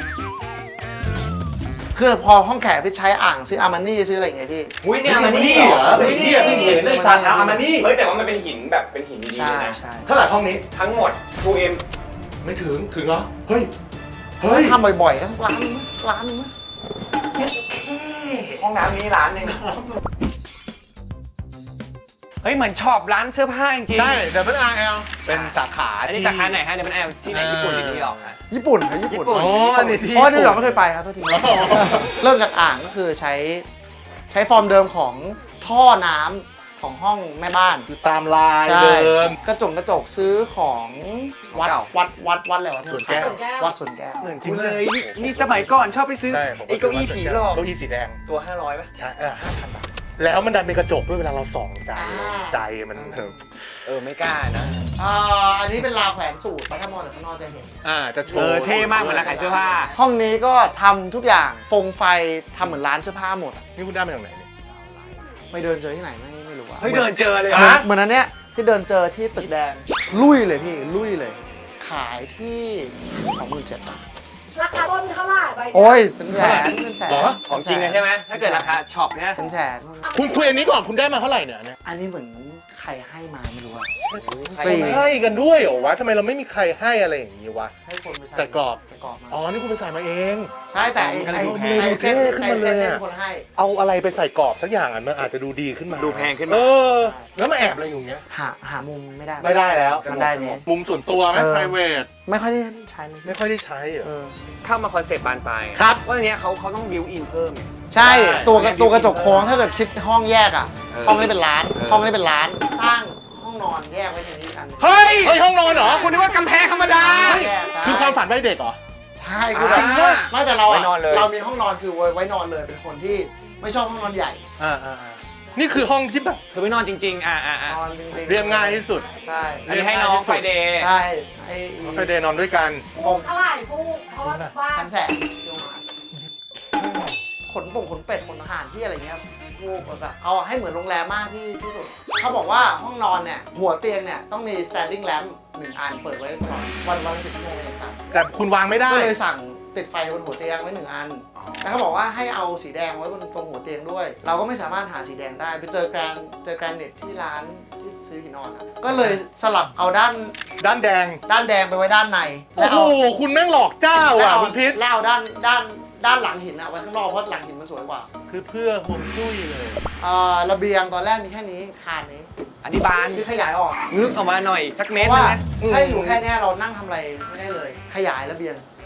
[SPEAKER 3] คือพอห้องแขกพี่ใช้อ่างซื้ออาร์มานี่ซื้ออะไรอย่างเงี้ยพี่
[SPEAKER 2] อุ้ยเนี่ยมันนี่
[SPEAKER 1] เหรอเฮ้ยเนี่ยเพิ่งเห็นในสัตว์อามานี่
[SPEAKER 2] เฮ้ยแต่ว่ามันเป็นหินแบบเป็นหินดีๆ
[SPEAKER 3] ใช่
[SPEAKER 2] นะ
[SPEAKER 3] ใช่
[SPEAKER 1] เท่าไหร่ห้องนี้
[SPEAKER 2] ทั้งหมด 2M
[SPEAKER 1] ไม่ถึงเหรอ เฮ้ย
[SPEAKER 3] ทำบ่อยๆนะร้านนึงมั้ย
[SPEAKER 2] ห้องน้ำนี้ร้านหนึงเฮ้ยเหมือนชอบร้านเสื้อผ้าจริงๆ
[SPEAKER 1] ใช่ WRL เป็นสาขา
[SPEAKER 2] อันนี้สาขาไหนฮะเดี๋ยวมันแอลที่ไหนญี่ปุ่นหรือนิวยอร์กฮะ
[SPEAKER 3] ญี่ปุ่นครับญี่ปุ่น
[SPEAKER 2] ญี่ปุ่น
[SPEAKER 1] อ๋ออันนี้ที่
[SPEAKER 3] เพราะว่านิวยอร์กไม่เคยไปครับโทษทีเริ่มจากอ่างก็คือใช้ฟอร์มเดิมของท่อน้ำของห้องแม่บ้าน
[SPEAKER 1] ตามลาย
[SPEAKER 3] ใช่
[SPEAKER 1] เดิม
[SPEAKER 3] กระจกซื้อของวัดอะไรวะ
[SPEAKER 1] สวนแก้ว
[SPEAKER 3] วัดสวนแก้ว
[SPEAKER 2] เหมือนคุณเลยนี่สมัยก่อนชอบไปซื้อไอ้เก้าอี้ผีหลอก
[SPEAKER 1] เก้าอี้สีแดง
[SPEAKER 2] ตัว500ป่ะ
[SPEAKER 1] ใช่5,000 บาท แล้วมันดันเป็นกระจกด้วยเวลาเราส่องใจมัน
[SPEAKER 2] ไม่กล้านะ
[SPEAKER 3] อันนี้เป็นราวแขวนสูตรถ้ามองจากข้างนอกจะเห็น
[SPEAKER 1] จะโช
[SPEAKER 2] เอ
[SPEAKER 1] ว์
[SPEAKER 2] อเท่มากเหมือนร้านขายเสื้อผ้า
[SPEAKER 3] ห้องนี้ก็ทำทุกอย่างฟงไฟทำเหมือนร้านเสื้อผ้าหมดอะ
[SPEAKER 1] นี่คุณได้มาจากไหนเนี่ย
[SPEAKER 3] ไปเดินเจอที่ไหนไม่รู้อะ
[SPEAKER 2] เฮ้ยเดินเจอเลย
[SPEAKER 1] ฮะ
[SPEAKER 3] เหมือนอันเนี้ยที่เดินเจอที่ตึกแดงลุยเลยพี่ลุยเลย ขายที่27,000 บาท
[SPEAKER 5] ราคาต้นเท่าไหร่ใบเนี้ย
[SPEAKER 3] โอ้ยเป็นแสน
[SPEAKER 1] เหรอ
[SPEAKER 2] ของจริงเลยใช่ไหมถ้าเกิดราคาช็อปเนี่ย
[SPEAKER 3] เป็นแสน
[SPEAKER 1] คุณคุยอันนี้ก่อนคุณได้มาเท่าไหร่เนี่ย
[SPEAKER 3] อันนี้เหมือนใครให้มาไม่รู้อะ
[SPEAKER 2] ใคร
[SPEAKER 3] ฟรี
[SPEAKER 1] ให้กันด้วยเหรอวะทำไมเราไม่มีใครให้อะไรอย่างนี้วะ
[SPEAKER 3] ให้คนไป
[SPEAKER 1] ใส่กรอบ
[SPEAKER 3] ใส่กรอบมา
[SPEAKER 1] อ๋อ นี่คุณไปใส่มาเอง
[SPEAKER 3] ใช่แต่ไอ้เส้น
[SPEAKER 1] ขึ้น
[SPEAKER 3] ไอ้
[SPEAKER 1] มาเลย
[SPEAKER 3] เส้นเนี่ย
[SPEAKER 1] อะ
[SPEAKER 3] เป็นคนให้
[SPEAKER 1] เอาอะไรไปใส่กรอบสักอย่างอ่ะมันอาจจะดูดีขึ้นมา
[SPEAKER 2] ดูแพงขึ้น
[SPEAKER 1] เอ
[SPEAKER 2] มา
[SPEAKER 1] อ แล้วมาแอบอะไรอยู่เงี้ย
[SPEAKER 3] หามุมไม่ได้
[SPEAKER 1] ไม่ได้แล้ว
[SPEAKER 3] มันได้เนี่ย
[SPEAKER 1] มุมส่วนตัวไหม private
[SPEAKER 3] ไม่ค่อยได้ใช้เลย
[SPEAKER 1] ไม่ค่อยได้ใช้เหรอ
[SPEAKER 2] เข้ามาคอนเซ็ปต์บานปลายไง
[SPEAKER 1] ครับ
[SPEAKER 2] ว่าอันเนี้ยเขาต้องบิวอินเพิ่มไง
[SPEAKER 3] ใช่
[SPEAKER 1] ใช่
[SPEAKER 3] ตัวกระจกโค้งถ้าเกิดคิดห้องแยกอ่ะ
[SPEAKER 2] เออ
[SPEAKER 3] ห้องนี้เป็นร้าน
[SPEAKER 2] เออ
[SPEAKER 3] ห้องนี้เป็นร้าน สร้างห้องนอนแยกไว้ในนี้อัน
[SPEAKER 2] เฮ้ย
[SPEAKER 1] เฮ้ยห้องนอนเหรอ
[SPEAKER 2] คุณนึกว่ากำแพงธรรมดา
[SPEAKER 3] แยกได้
[SPEAKER 1] คือความฝันวัยเด็กเหรอ
[SPEAKER 3] ใช่คือแบบ
[SPEAKER 2] อ่า
[SPEAKER 3] ไม่แต่เรา
[SPEAKER 2] ไว้
[SPEAKER 3] อะ
[SPEAKER 2] นอนเลย
[SPEAKER 3] เรามีห้องนอนคือไว้นอนเลยเป็นคนที่ไม่ชอบห้องนอนใหญ่
[SPEAKER 1] นี่คือห้องที่แบบ
[SPEAKER 2] คือไม่นอนจริงๆ
[SPEAKER 3] นอนจริงๆ
[SPEAKER 1] เรียบง่ายที่สุด
[SPEAKER 3] ใช่
[SPEAKER 2] อันนี้ให้น้องไฟเดย์
[SPEAKER 3] ใช่ไอ้
[SPEAKER 1] เคยเดนนอนด้วยกัน
[SPEAKER 5] ฟูกเท่าไหร่ฟูกเพราะว่าบ้าน
[SPEAKER 3] 300,000ขนป่งขนเป็ดขนอาหารที่อะไรเงี้ยลูกแบบเอาให้เหมือนโรงแรมมากที่สุดเขาบอกว่าห้องนอนเนี่ยหัวเตียงเนี่ยต้องมี standing lamp 1 อันเปิดไว้ตลอดวันละ10 ชั่วโมงเองครับ
[SPEAKER 1] แต่คุณวางไม่ได้
[SPEAKER 3] ก็เลยสั่งติดไฟบนหัวเตียงไว้1 อันแล้วเขาบอกว่าให้เอาสีแดงไว้บนตรงหัวเตียงด้วย เราก็ไม่สามารถหาสีแดงได้ไปเจอแกรนเนตที่ร้านที่ซื้อหินอ่อนอะก็เลยสลับเอาด้าน
[SPEAKER 1] ด้านแดง
[SPEAKER 3] แดงไปไว้ด้านใน
[SPEAKER 1] โอ้โห คุณแม่งหลอกเจ้าอ่ะคุณพิษ
[SPEAKER 3] แล้วเอาด้านหลังหินอะไว้ข้างนอกเพราะหลังหินมันสวยกว่า
[SPEAKER 1] คือเพื่อห่วงจุ้ยเลย
[SPEAKER 3] ระเบียงตอนแรกมีแค่นี้คานนี้
[SPEAKER 2] อันนี้บาน
[SPEAKER 3] คือขยายออก
[SPEAKER 2] นึกออกมาหน่อยสักเม
[SPEAKER 3] เพ
[SPEAKER 2] ตร
[SPEAKER 3] ราะ
[SPEAKER 2] นึ
[SPEAKER 3] ว่าง
[SPEAKER 2] นะ
[SPEAKER 3] ถ้าอยู่แค่เนี้ยเรานั่งทำอะไรไม่ได้เลย ขยายระเบียง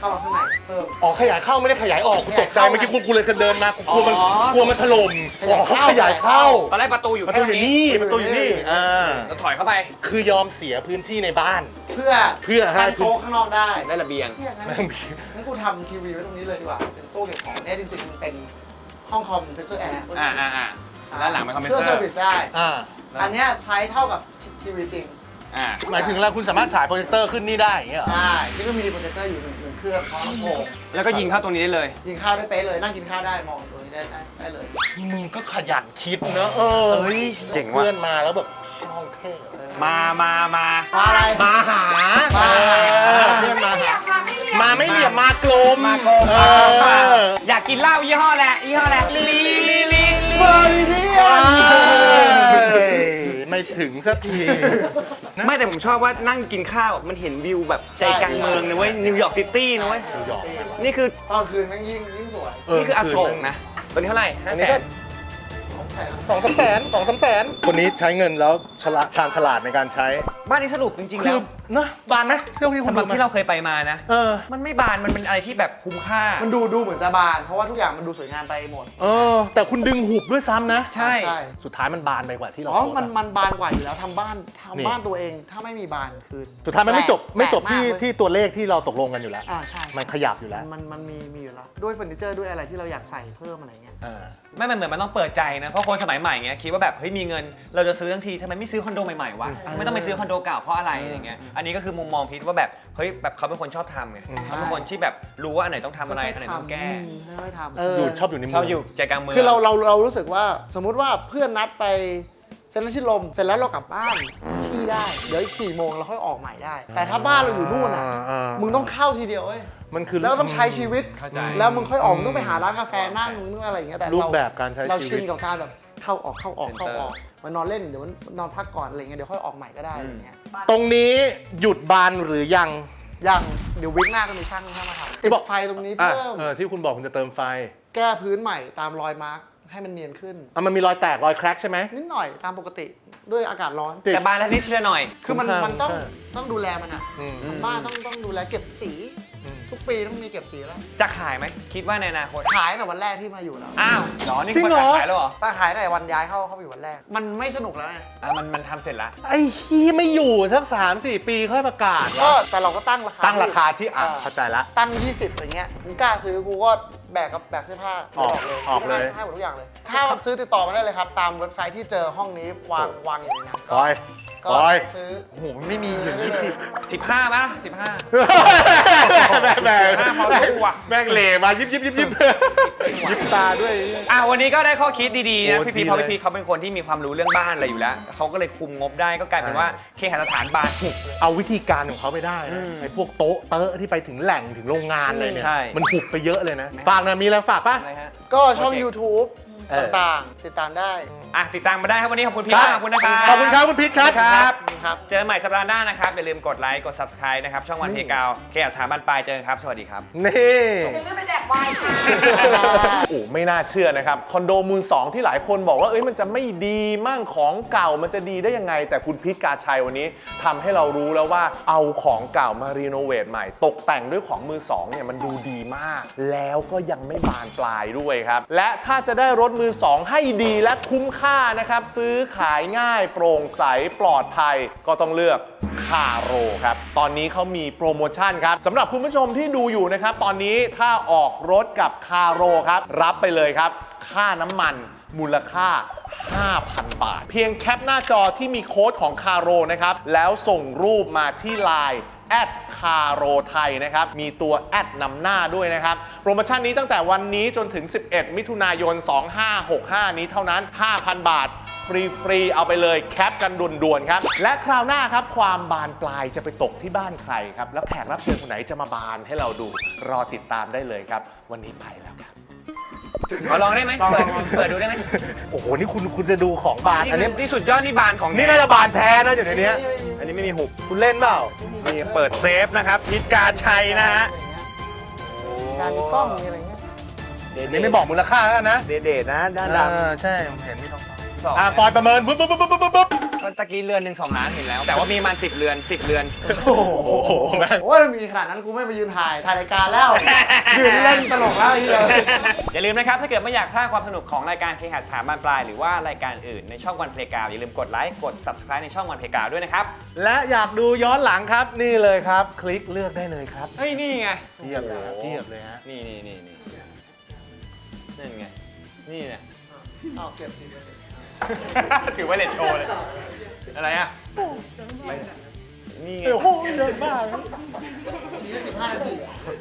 [SPEAKER 3] เข้ามาข้างในเพิ่ม
[SPEAKER 1] อ๋อขยายเข้าไม่ได้ขยายออกกูตกใจ
[SPEAKER 3] ขยายเข้า
[SPEAKER 1] เมื่อกี้กูเลยเดินมากูกลัวมัน
[SPEAKER 2] อ๋อ
[SPEAKER 1] กลัวมันถล่ม
[SPEAKER 3] ขยายเข้า
[SPEAKER 1] อ๋อขยายเข้า
[SPEAKER 2] ตอนแรกประตูอยู่
[SPEAKER 1] ประ
[SPEAKER 2] แค่
[SPEAKER 1] ตูอยู่นี่ ประตูอยู่นี่า
[SPEAKER 2] เราถอยเข้าไป
[SPEAKER 1] คือยอมเสียพื้นที่ในบ้าน
[SPEAKER 3] เพื่อ
[SPEAKER 1] ให้
[SPEAKER 3] ตั้งโต๊ะข้างนอกได้
[SPEAKER 2] ได้ระเบียง
[SPEAKER 3] ที่อย่างนั้นงั้นกูทำทีวีไว้ตรงนี้เลยดีกว่าเป็นตู้เก็บของเนี่ยจริงๆมันเป็นห้องคอมเพรสเซอร์แอร์
[SPEAKER 2] ด้านหลังเป็นคอมเพรส
[SPEAKER 3] เพื่อ
[SPEAKER 2] เซ
[SPEAKER 3] เซ
[SPEAKER 2] อ
[SPEAKER 3] อ
[SPEAKER 2] ร์
[SPEAKER 3] ร์วิสได้
[SPEAKER 1] อ่า
[SPEAKER 3] อันเนี้ยใช้เท่ากับทีวีจริง
[SPEAKER 1] หมายถึงแล้วคุณสามารถฉายโปรเจคเตอร์ขึ้นนี่ได้อย่างเงี้ยเหรอ
[SPEAKER 3] ใช่ที่ก็มีโปรเจคเตอร์อยู่หนึ่งเครื่องพร้อมลำโพง
[SPEAKER 2] แล้วก็ยิงเข้าตรงนี้ได้เลย
[SPEAKER 3] ยิงข้าวได้เป๊ะเลยนั่งกินข้าวได้มองตรงนี้ได้เลย
[SPEAKER 1] มึงก็ขยันคิดเนอะเฮ้ย
[SPEAKER 2] เจ๋งว่ะ
[SPEAKER 1] เพื่อนมาแล้วแบบช่องเท่
[SPEAKER 2] มา
[SPEAKER 3] มาอะไร
[SPEAKER 1] มาหา
[SPEAKER 3] มาหา
[SPEAKER 1] เพื่อนมาหา
[SPEAKER 5] มาไม่เรียบ
[SPEAKER 1] มาไม่เหลี่ยมมากลม
[SPEAKER 2] มาโกง
[SPEAKER 1] เออ
[SPEAKER 2] อยากกินเหล้ายี่ห้อแหละยี่ห้อแหละลีลีลี
[SPEAKER 3] เบอร์ดีดี
[SPEAKER 1] เฮ้ยไม่ถึงสักที
[SPEAKER 2] ไม่แต่ผมชอบว่านั่งกินข้าวมันเห็นวิวแบบใจกลางเมืองนะเว้ยนิวยอร์กซิตี้นะเว้ย
[SPEAKER 1] นิวยอร์ก
[SPEAKER 2] นี่คือ
[SPEAKER 3] ตอนคืนแม่งยิ่งสวย
[SPEAKER 2] นี่คืออโศกนะตอนนี้เท่าไหร่
[SPEAKER 1] อันนี้ก็
[SPEAKER 3] ของแถม
[SPEAKER 1] 2-3 แสนคนนี้ใช้เงินแล้วชาญฉลาดในการใช้
[SPEAKER 2] บ้านนี้สรุปจริงๆ
[SPEAKER 1] คื
[SPEAKER 2] แล้
[SPEAKER 1] อ
[SPEAKER 2] ว
[SPEAKER 1] นะบานไหมเที่ยวที่คุ
[SPEAKER 2] สำ
[SPEAKER 1] ณ
[SPEAKER 2] หรับ
[SPEAKER 1] ดู
[SPEAKER 2] ที่เราเคยไปมานะ มันไม่บานมันเป็นอะไรที่แบบคุ้มค่า
[SPEAKER 3] มันดูเหมือนจะบาน เพราะว่าทุกอย่างมันดูสวยงามไปหมด
[SPEAKER 1] แต่คุณดึงหุบด้วยซ้ำนะ
[SPEAKER 2] ใช่
[SPEAKER 1] สุดท้ายมันบานไปกว่าที่เรา
[SPEAKER 3] อ๋อ
[SPEAKER 1] โพสต์
[SPEAKER 3] มันบานกว่าอยู่แล้วทำบ้าน
[SPEAKER 1] นี่
[SPEAKER 3] บ้านตัวเองถ้าไม่มีบานคือ
[SPEAKER 1] สุดท้ายมันไม่จบ
[SPEAKER 3] แปลก
[SPEAKER 1] ที่
[SPEAKER 3] มากเลย
[SPEAKER 1] ที่ตัวเลขที่เราตกลงกันอยู่แล้ว
[SPEAKER 3] ใช่
[SPEAKER 1] มันขยับอยู่แล้ว
[SPEAKER 3] มันมีอยู่แล้ว ด้วยเฟอร์นิเจอร์ด้วยอะไรที่เราอยากใส่เพิ่มอะไรเงี้ย
[SPEAKER 2] ไม่มันเหมือนมันต้องเปิดใจนะ เพราะคนสมัยใหม่เงี้ยคิดว่าแบบเฮ้ยมีเงินเราจะซื้อทั้งทีทำไมไม่ซื้อคอนโดใหม่ๆวะไม่ต้องไปซื้อคอนโดเก่าเพราะอะไรอย่างเงี้ยอันนี้ก็คือมุมมองพีทว่าแบบเฮ้ยแบบเขาเป็นคนชอบทำไงเขาเป็นคนที่แบบรู้ว่าอันไหนต้องทำอะไรอันไหนต้องแก้
[SPEAKER 3] ค่อยๆทำ
[SPEAKER 1] อยู่ชอบอยู่ในเมื
[SPEAKER 2] ชอบอยู่ใจกลางเมือง
[SPEAKER 3] คือเรารู้สึกว่าสมมุติว่าเพื่อนนัดไปเซ็นทรัลชิดลมเสร็จแล้วเรากลับบ้านขี้ได้ เดี๋ยวอีก4 โมงเราค่อยออกใหม่ได้ แต่ถ้าบ้านเราอยู่นู่นอ่ะมึงต้องเข้าทีเดียวเว้ย
[SPEAKER 1] มันคือ
[SPEAKER 3] แล้วต้องใช้ชีวิต
[SPEAKER 2] เข้าใจ
[SPEAKER 3] แล้วมึงค่อยออกมึงต้องไปหาร้านกาแฟนั่งมึงต้องอะไรอย่างเงี้ยแต่
[SPEAKER 1] รูปแบบการใช้
[SPEAKER 3] เรา
[SPEAKER 1] ชี
[SPEAKER 3] ชิ
[SPEAKER 1] วิ
[SPEAKER 3] น
[SPEAKER 1] ต
[SPEAKER 3] กับการแบบเข้าออกมานอนเล่นเดี๋ยวมันนอนพักก่อนอะไรเงี้ยเดี๋ยวค่อยออกใหม่ก็ได้อะไรเงี้ย
[SPEAKER 1] ตรงนี้หยุดบานหรือยัง
[SPEAKER 3] ยังเดี๋ยววิกหน้าก็มีช่างมาทำติดไฟตรงนี้เพิ่ม
[SPEAKER 1] ที่คุณบอกคุณจะเติมไฟ
[SPEAKER 3] แก้พื้นใหม่ตามรอยมาร์คให้มันเนียนขึ้น
[SPEAKER 1] มันมีรอยแตกรอยแคร็กใช่ไหม
[SPEAKER 3] นิดหน่อยตามปกติด้วยอากาศร้อน
[SPEAKER 2] แต่บานแล้วนิดเชื่อหน่อย
[SPEAKER 3] คือมัน
[SPEAKER 1] คุ้มค่า
[SPEAKER 3] ต้องดูแลมันอ่ะ
[SPEAKER 1] อืม
[SPEAKER 3] ทำบ้านต้องดูแลเก็บสี ทุกปีต้องมีเก็บสีแล้ว
[SPEAKER 2] จะขายไหมคิดว่าในอนาคต
[SPEAKER 3] ขายในวันแรกที่มาอยู่แล้ว
[SPEAKER 2] อ้าวเหรอนี่
[SPEAKER 1] จริง
[SPEAKER 2] คน
[SPEAKER 1] เหรอ
[SPEAKER 2] ขายแล้วเหรอ
[SPEAKER 3] ป้าขายในวันย้ายเข้าไปอยู่วันแรก มันไม่สนุกแล้วไง
[SPEAKER 2] มันทำเสร็จแล้ว
[SPEAKER 1] ไอ้ที่ไม่อยู่สัก 3-4 ปีค่อยประกาศ
[SPEAKER 3] ก็
[SPEAKER 1] วะ
[SPEAKER 3] แต่เราก็ตั้งราคา
[SPEAKER 1] ตั้งราคาที่เข้าใจละ
[SPEAKER 3] ตั้ง 20อย่างเงี้ยมึงกล้าซื้อกูก็แบกกับแบกเสื้อผ้า
[SPEAKER 1] ออกเลย
[SPEAKER 3] ให้หมดทุกอย่างเลย ถ้าซื้อติดต่อมาได้เลยครับ ตามเว็บไซต์ที่เจอห้องนี้วางอยู่ในนั้น
[SPEAKER 1] ปอย
[SPEAKER 3] ก็
[SPEAKER 1] ปอย
[SPEAKER 3] ซื้อ
[SPEAKER 2] โอ้โหมันไม่มีถึง15ป่ะ15
[SPEAKER 1] แม่ง
[SPEAKER 2] พอสู้ว่ะ
[SPEAKER 1] แม่งเหล่มายิบยิบตาด้วย
[SPEAKER 2] วันนี้ก็ได้ข้อคิดดีๆนะ
[SPEAKER 1] โอ้
[SPEAKER 2] พี่พี
[SPEAKER 1] ดี
[SPEAKER 2] เพราะ
[SPEAKER 1] เลย
[SPEAKER 2] พี่พีเขาเป็นคนที่มีความรู้เรื่องบ้านอะไรอยู่แล้วเขาก็เลยคุมงบได้ก็กลายเป็นว่าเคหสถานบานหุบ
[SPEAKER 1] เอาวิธีการของเขาไปได้
[SPEAKER 2] อื
[SPEAKER 1] นะ
[SPEAKER 2] ม
[SPEAKER 1] ไอ้พวกโต๊ะเตอะที่ไปถึงแหล่งถึงโรงงานเลยเนี่ย
[SPEAKER 2] ใช่
[SPEAKER 1] มันหุบไปเยอะเลยนะ ฝากหนะมีอะไรฝากป่ะ
[SPEAKER 2] อะไรฮะ
[SPEAKER 3] ก็ช่อง
[SPEAKER 2] โปรเจกต์
[SPEAKER 3] YouTube
[SPEAKER 1] เออ
[SPEAKER 3] ต่างๆ ติดตามได้
[SPEAKER 2] ติดตามมาได้ครับวันนี้ขอบคุณพี่
[SPEAKER 1] ครับ
[SPEAKER 2] มากขอบคุณนะครับ
[SPEAKER 1] ขอบคุณครับคุณพิษครับ
[SPEAKER 2] ครับ
[SPEAKER 3] ครับ
[SPEAKER 2] เจอกันใหม่สัปดาห์หน้านะครับอย่าลืมกดไลค์กด subscribe นะครับช่องวันเพกาวเคหสถานบานปลายเจอกันครับสวัสดีครับ
[SPEAKER 1] นี่
[SPEAKER 5] อย่าลืมไปแดกไวน์ค่ะ
[SPEAKER 1] โอ้ไม่น่าเชื่อนะครับ คอนโดมือสองที่หลายคนบอกว่ามันจะไม่ดีมั่งของเก่ามันจะดีได้ยังไง แต่คุณพิษกาชัยวันนี้ทำให้เรารู้แล้วว่าเอาของเก่ามารีโนเวทใหม่ ตกแต่งด้วยของมือสองเนี่ยมันดูดีมาก แล้วก็ยังไม่บานปลายด้วยครับ และถ้าจะได้รถมือสองให้ดีและคุ้มค่านะครับซื้อขายง่ายโปร่งใสปลอดภัยก็ต้องเลือกคาโรครับตอนนี้เขามีโปรโมชั่นครับสำหรับคุณผู้ชมที่ดูอยู่นะครับตอนนี้ถ้าออกรถกับคาโรครับรับไปเลยครับค่าน้ำมันมูลค่า 5,000 บาท เพียงแคปหน้าจอที่มีโค้ดของคาโรนะครับแล้วส่งรูปมาที่ LINE แอดคาโรไทยนะครับมีตัวแอดนำหน้าด้วยนะครับโปรโมชั่นนี้ตั้งแต่วันนี้จนถึง11มิถุนายน2565นี้เท่านั้น 5,000 บาทฟรีๆเอาไปเลยแคปกันด่วนๆครับและคราวหน้าครับความบานปลายจะไปตกที่บ้านใครครับแล้วแขกรับเชิญคนไหนจะมาบานให้เราดูรอติดตามได้เลยครับวันนี้ไปแล้วครับ
[SPEAKER 2] ขอลองได้ไหม
[SPEAKER 3] ลอง
[SPEAKER 2] เปิดดูได้ไหม
[SPEAKER 1] โอ้โหนี่คุณจะดูของบานอันนี้
[SPEAKER 2] นี่สุดยอดนี่บานของ
[SPEAKER 1] นี่น่าจะบานแท้นะอยู่ในเนี้ย
[SPEAKER 2] อันนี้ไม่มีหุบ
[SPEAKER 1] คุณเล่นเปล่า
[SPEAKER 2] นี่เปิดเซฟนะครับพิษกาชัยนะฮะ
[SPEAKER 3] การมีกล้องมีอะไรเงี้ย
[SPEAKER 1] นี่ไม่บอกมูลค่าแล้วนะ
[SPEAKER 2] เดทนะด้านดำ
[SPEAKER 1] ใช่ผมเห็นมีทองฟอยประเมินปุ๊บปุ๊บปุ๊บปุ๊บปุ๊บ
[SPEAKER 2] ก็ตะกี้เรือนหนึ่ง2 ล้านเห็นแล้ว แต่ว่ามีมัน10 เรือน 10 เรือน
[SPEAKER 1] โอ้โหแม่ง
[SPEAKER 3] โอ้ยมีขนาดนั้นกูไม่ไปยืนถ่ายรายการแล้ว ยืนเล่นตลกแล้วไอ้เหี้ย
[SPEAKER 2] อย่าลืมนะครับ ถ้าเกิดไม่อยากพลาดความสนุกของรายการเคหะสถาบันปลายหรือว่ารายการอื่นในช่องวันเพลย์กราวอย่าลืมกดไลค์กด subscribe ในช่องวันเพลย์กราวด้วยนะครับ
[SPEAKER 1] และอยากดูย้อนหลังครับนี่เลยครับ คลิกเลือกได้เลยครับ
[SPEAKER 2] เฮ้ย นี่ไง
[SPEAKER 1] เทียบเลยครับเทียบเลยฮะ
[SPEAKER 2] นี่นั่นไง นี่เนี่ย
[SPEAKER 3] เอาเก็บที
[SPEAKER 2] ถือว่าเลทโชว์เลย อะไรอ่ะนี่ไง
[SPEAKER 1] โอ้โหเดินบ้า
[SPEAKER 3] 25 นาที